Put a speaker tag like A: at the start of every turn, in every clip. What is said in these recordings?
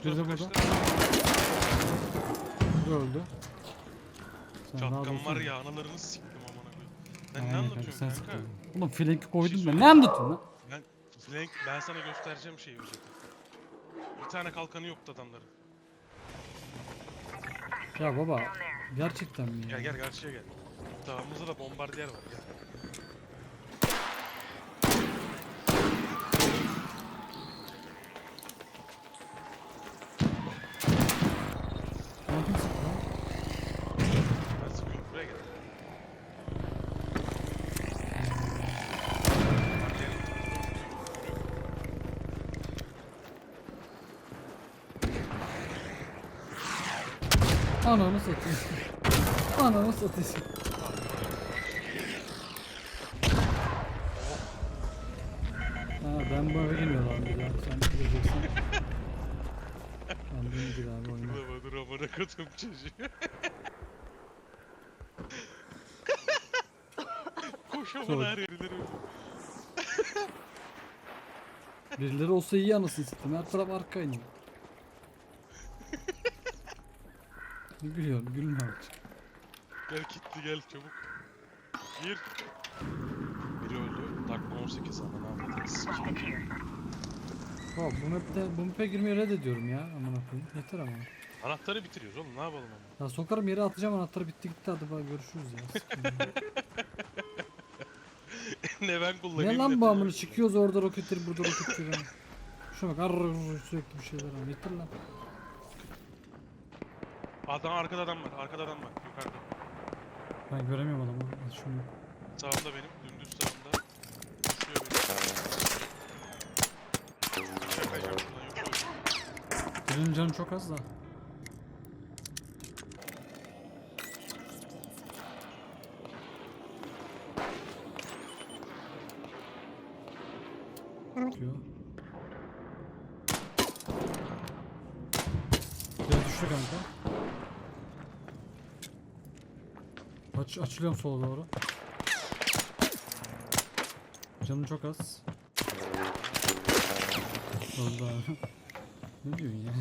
A: Biri de burada.
B: arkadaşlar.
A: Bu öldü. Sen rahat
B: Çatkan var
A: olsana.
B: ya analarını siktim amına koyayım. Ben ne
A: Aynen kanka,
B: anlatıyorum
A: sen
B: kanka?
A: sıkıldın. Oğlum flank'i koydum ben.
B: söyleyeyim.
A: Ne anlatıyorsun lan?
B: Ben sana göstereceğim şeyi özeti. Bir tane kalkanı yoktu adamların.
A: Ya baba gerçekten mi ya?
B: Gel karşıya gel. Sağımızda da bombardiyer var gel.
A: Lan kim sıktı lan?
B: Ben sıkıyorum buraya gel.
A: Ananı satayım. Ananı satayım. Ha ben bu eve girmiyorum abi ya. Sen gireceksin. Kendin gir abi oyna.
B: Dur amına koydum çocuğu. Koş amına her yerleri.
A: Birileri olsa iyi anasını satayım. Her taraf arka iniyor. Ne gülüyorsun? Gülme artık.
B: Gel kilitli gel çabuk. Gir. Biri öldü. Dakika 18 ama ne yapacağız?
A: Baba bu map'e girmeyi reddediyorum ya. Aman koyayım. Yeter ama.
B: Anahtarı bitiriyoruz oğlum ne yapalım ama.
A: Ya sokarım yere atacağım anahtarı bitti gitti hadi bak görüşürüz ya. Sıkıntı yok.
B: Ne ben kullanayım
A: Ne lan
B: ne
A: bu
B: sen
A: amını
B: kullan.
A: çıkıyoruz orada roketleri burada roketleri. Şuna bak sürekli bir şeyler var. Yeter lan.
B: Arkada adam var. Arkada adam var. Yukarıda.
A: Ben göremiyorum adamı. Al şunu.
B: Sağımda benim. Dümdüz sağımda. Düşüyor benim. Yakacağım buradan yok öyle.
A: Birinin canı çok az da. Diyor. Biraz düştü kanka. Açılıyorum sola doğru. Canım çok az. Öldü abi. Ne diyorsun ya?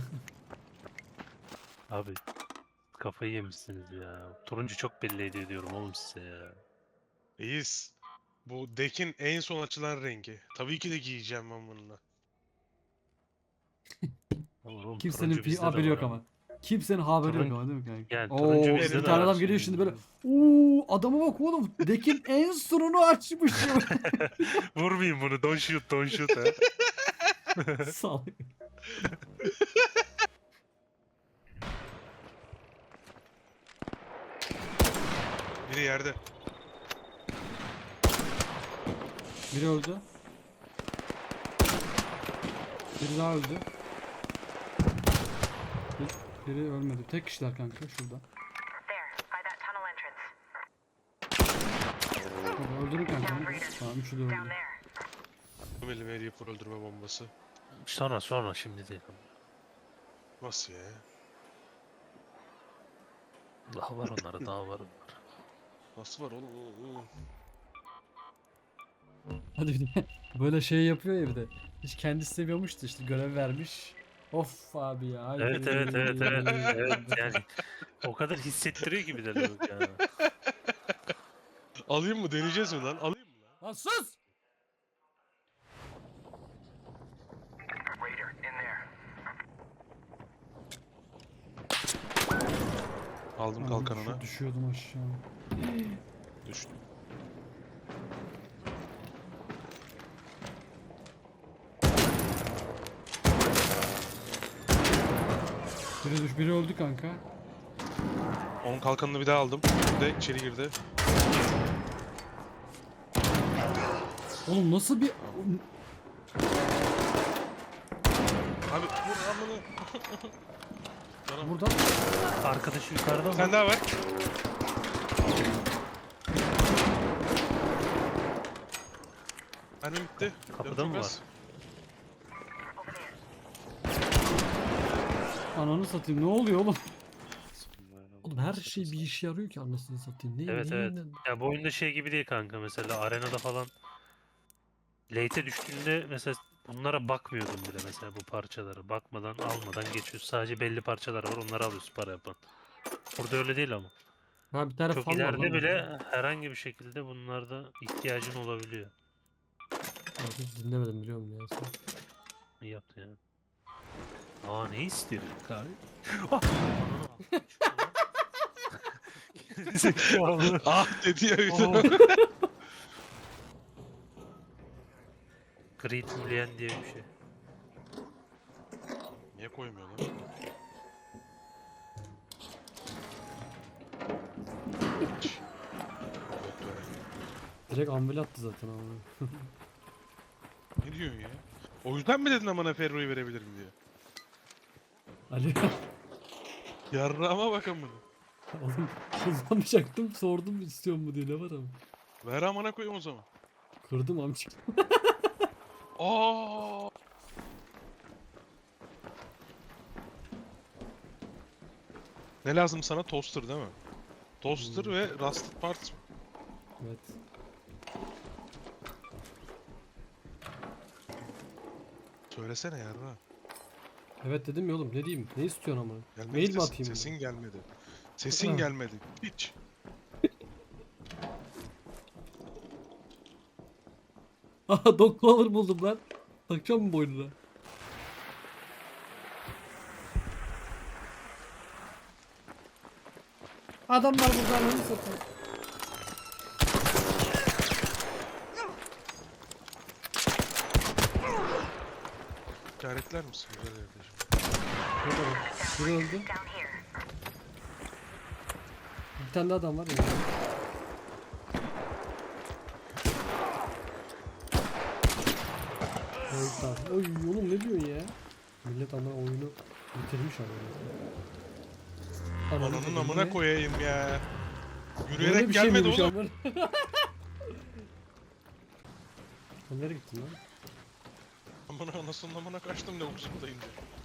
C: Abi kafayı yemişsiniz ya. Turuncu çok belli ediyor diyorum oğlum size ya.
B: İyiyiz. Bu deck'in en son açılan rengi. Tabii ki de giyeceğim ben bununla.
C: Oğlum,
A: Kimsenin
C: turuncu bizde de
A: haberi yok
C: var
A: ama. Kimsenin haberi yok
C: Turun-
A: ama değil mi kanka?
C: Yani
A: Oo,
C: turuncu
A: bir
B: bizde de
A: tane
B: var
A: adam geliyor şimdi böyle. Adama bak oğlum. Dekin en sonunu açmış ya.
C: Vurmayayım bunu. Don't shoot, don't shoot ha.
A: Sağ
B: Biri yerde.
A: Biri öldü. Biri daha öldü. Biri ölmedi. Tek kişiler kanka şurada. Baba öldürün kanka. Tamam üçü de öldü.
B: Ömeli Reaper öldürme bombası.
C: Sonra şimdi değil.
B: Nasıl ya?
C: Daha var onlara daha var.
B: Nasıl var oğlum?
A: Hadi bir de böyle şey yapıyor ya bir de. Hiç kendisi seviyormuştu işte görev vermiş. Of abi ya. haydi.
C: Evet yani o kadar hissettiriyor gibi de lavuk ya.
B: Alayım mı? Deneyeceğiz mi lan? Alayım mı lan?
A: Lan sus!
B: Aldım
A: Lan
B: kalkanına.
A: Düşüyordum aşağı.
B: Düştüm.
A: Biri öldü kanka.
B: Onun kalkanını bir daha aldım. Bir de içeri girdi.
A: Oğlum nasıl bir...
B: Abi vur amını. Canım.
A: Burada
C: Arkadaşı yukarıda
B: Bir
C: mı?
B: tane daha var. Benim bitti.
C: Kapıda
B: Canım
C: mı
B: çok
C: var?
B: az.
A: ananı satayım ne oluyor oğlum? Oğlum her şey bir işe yarıyor ki anasını satayım.
C: Evet. Ya bu oyunda şey gibi değil kanka mesela arenada falan late'e düştüğünde mesela Bunlara bakmıyordum bile mesela bu parçalara. Bakmadan almadan geçiyoruz. Sadece belli parçalar var onları alıyoruz para yapan. Burada öyle değil ama.
A: Ha bir tane
C: Çok
A: fan var
C: ileride
A: lan.
C: bile herhangi bir şekilde bunlarda ihtiyacın olabiliyor.
A: Abi hiç dinlemedim biliyor musun ya sen?
C: İyi yaptın yani. Aa ne istiyor abi? Ah! Zekalı.
B: Ah dedi ya bir de.
C: Oh. Great Mulligan diye bir şey.
B: Niye koymuyor lan?
A: Direkt ambil attı zaten ama.
B: Ne diyorsun ya? O yüzden mi dedin amına Ferro'yu verebilirim diye?
A: Ali
B: Yarrağıma bak amına.
A: oğlum kullanmayacaktım sordum istiyor mu diye ne var ama.
B: Ver amına koyayım o zaman.
A: Kırdım amcık.
B: Aa! Ne lazım sana? Toaster değil mi? Toaster ve Rusted Parts mı?
A: Evet.
B: Söylesene yarra.
A: Evet dedim ya oğlum ne diyeyim ne istiyorsun ama.
B: Gelmedi
A: Mail mi
B: sesin,
A: atayım?
B: sesin gelmedi. Sesin gelmedi. Hiç.
A: Aha dog collar buldum lan. Takacağım mı boynuna? Adamlar burada ananı satıyor.
B: İşaretler misin güzel kardeşim?
A: Burada bak. Biri öldü. Bir tane daha adam var ya. Evet, tamam. Oy oğlum ne diyorsun ya? Millet ama oyunu bitirmiş ama.
B: Ananın amına koyayım ya.
A: Böyle
B: Yürüyerek
A: bir şey
B: gelmedi
A: miymiş
B: oğlum.
A: ama? Sen nereye gittin lan?
B: Amına anasının amına kaçtım ne uzundayım diye.